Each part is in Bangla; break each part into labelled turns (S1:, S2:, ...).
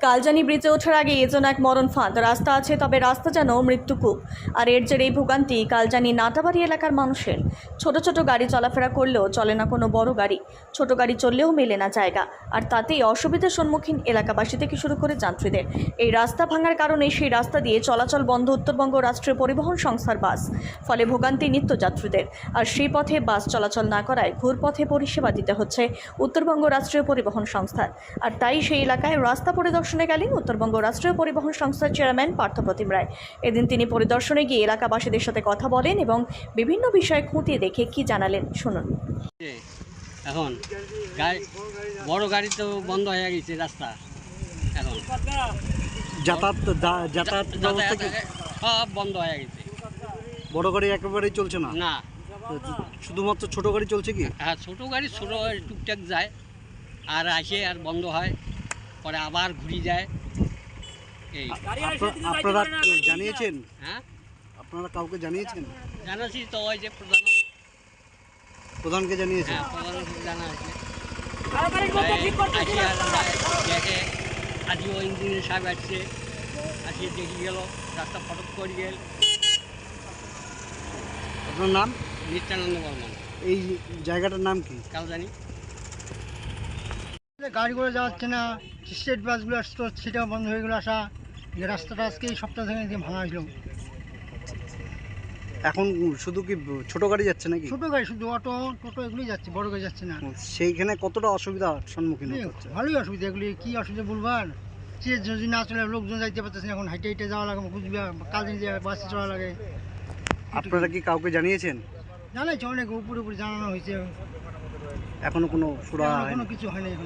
S1: কালজানি ব্রিজে ওঠার আগে এ যেন এক মরণ ফাঁদ। রাস্তা আছে, তবে রাস্তা যেন মৃত্যুকূপ। আর এর জেরেই ভোগান্তি কালজানি নাটাবাড়ি এলাকার মানুষের। ছোট ছোট গাড়ি চলাফেরা করলেও চলে না কোনো বড় গাড়ি, ছোট গাড়ি চললেও মেলে না জায়গা। আর তাতেই অসুবিধার সম্মুখীন এলাকাবাসী থেকে শুরু করে যাত্রীদের। এই রাস্তা ভাঙার কারণে সেই রাস্তা দিয়ে চলাচল বন্ধ উত্তরবঙ্গ রাষ্ট্রীয় পরিবহন সংস্থার বাস। ফলে ভোগান্তি নিত্যযাত্রীদের। আর সেই পথে বাস চলাচল না করায় ঘুরপথে পরিষেবা দিতে হচ্ছে উত্তরবঙ্গ রাষ্ট্রীয় পরিবহন সংস্থার। আর তাই সেই এলাকায় রাস্তা পরিদর্শনে গেলেন উত্তরবঙ্গ রাষ্ট্রীয় পরিবহন সংস্থার চেয়ারম্যান পার্থপ্রতিম রায়। এদিন তিনি পরিদর্শনে গিয়ে এলাকাবাসীদের সাথে কথা বলেন এবং বিভিন্ন বিষয়ে খুঁটিয়ে দেখে কি জানালেন শুনুন।
S2: এখন বড় গাড়ি তো বন্ধ হয়ে গেছে রাস্তা, এখন
S3: যাতায়াত ব্যবস্থা কি
S2: সব বন্ধ হয়ে গেছে।
S3: বড় গাড়ি একেবারেই চলছে না?
S2: না,
S3: শুধুমাত্র ছোট গাড়ি চলছে কি?
S2: হ্যাঁ, ছোট গাড়ি টুকটাক যায়, আর আসে আর বন্ধ হয়, পরে আবার ঘুরে যায়। এই
S3: আপনারা জানিয়েছেন?
S2: হ্যাঁ,
S3: আপনারা কাউকে জানিয়েছেন?
S2: জানাচ্ছি তো, ওই যে
S3: প্রধানকে জানিয়েছেন?
S2: হ্যাঁ, প্রধানকে জানা আছে। দেখে আজও ইঞ্জিনিয়ার সাহেব আসছে, আসিয়ে দেখে গেল রাস্তা ফটক করে গেল।
S3: আপনার নাম?
S2: নিত্যানন্দ বর্মন।
S3: এই জায়গাটার নাম কি?
S2: কালজানি।
S4: গাড়িগুলো যাচ্ছে না, স্টেট বাসগুলো আসতো সেটাও বন্ধ হয়ে গেলো আসা। রাস্তাটা আজকে এই সপ্তাহ থেকে ভাঙা হয়েছিল।
S3: এখন শুধু কি ছোট গাড়ি যাচ্ছে নাকি?
S4: ছোটো গাড়ি শুধু অটো টোটো এগুলোই যাচ্ছে, বড় গাড়ি যাচ্ছে না।
S3: সেইখানে কতটা অসুবিধার সম্মুখীন হতে হচ্ছে?
S4: ভালোই অসুবিধা, এগুলি কী অসুবিধা বলবার। সে যদি না চলে লোকজন যাইতে পারতেছে না, এখন হাইটে হাইটে যাওয়া লাগে, কুচবিহার কালদিন যে বাসে চলা লাগে।
S3: আপনারা কি কাউকে জানিয়েছেন?
S4: জানাইছে, অনেক উপরে উপরে জানানো হয়েছে,
S3: এখনো কোনো সুরা
S4: কোনো কিছু হয়নি এখন।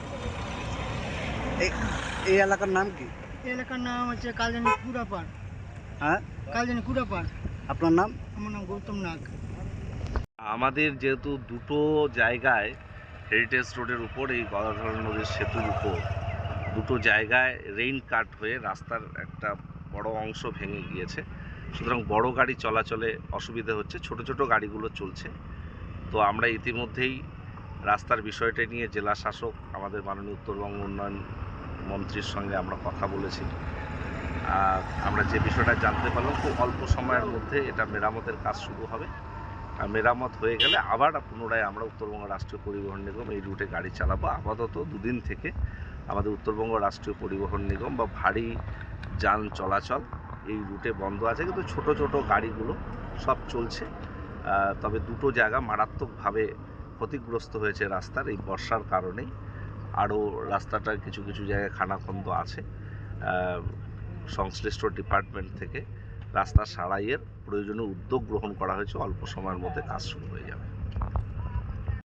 S3: এই এলাকার নাম কি?
S4: এই এলাকার নাম হচ্ছে কালজানি কুড়াপাড়।
S3: হ্যাঁ,
S4: কালজানি কুড়াপাড়।
S3: আপনার নাম?
S4: আমার নাম গৌতম নাগ।
S5: আমাদের যেহেতু দুটো জায়গায় হেরিটেজ রোডের উপর, এই গদাধর নদীর সেতুর উপর দুটো জায়গায় রেইন কাট হয়ে রাস্তার একটা বড় অংশ ভেঙে গিয়েছে, সুতরাং বড় গাড়ি চলাচলে অসুবিধা হচ্ছে, ছোট ছোট গাড়িগুলো চলছে। তো আমরা ইতিমধ্যেই রাস্তার বিষয়টা নিয়ে জেলা শাসক আমাদের মাননীয় উত্তরবঙ্গ উন্নয়ন মন্ত্রীর সঙ্গে আমরা কথা বলেছি। আমরা যে বিষয়টা জানতে পারলাম, খুব অল্প সময়ের মধ্যে এটা মেরামতের কাজ শুরু হবে। আর মেরামত হয়ে গেলে আবার পুনরায় আমরা উত্তরবঙ্গ রাষ্ট্রীয় পরিবহন নিগম এই রুটে গাড়ি চালাবো। আপাতত দুদিন থেকে আমাদের উত্তরবঙ্গ রাষ্ট্রীয় পরিবহন নিগম বা ভারী যান চলাচল এই রুটে বন্ধ আছে, কিন্তু ছোট ছোট গাড়িগুলো সব চলছে। তবে দুটো জায়গা মারাত্মকভাবে ক্ষতিগ্রস্ত হয়েছে রাস্তার এই বর্ষার কারণেই। আরও রাস্তাটার কিছু কিছু জায়গায় খানাখন্দ আছে। সংশ্লিষ্ট ডিপার্টমেন্ট থেকে রাস্তা সারাইয়ের প্রয়োজনীয় উদ্যোগ গ্রহণ করা হয়েছে, অল্প সময়ের মধ্যে কাজ শুরু হয়ে যাবে।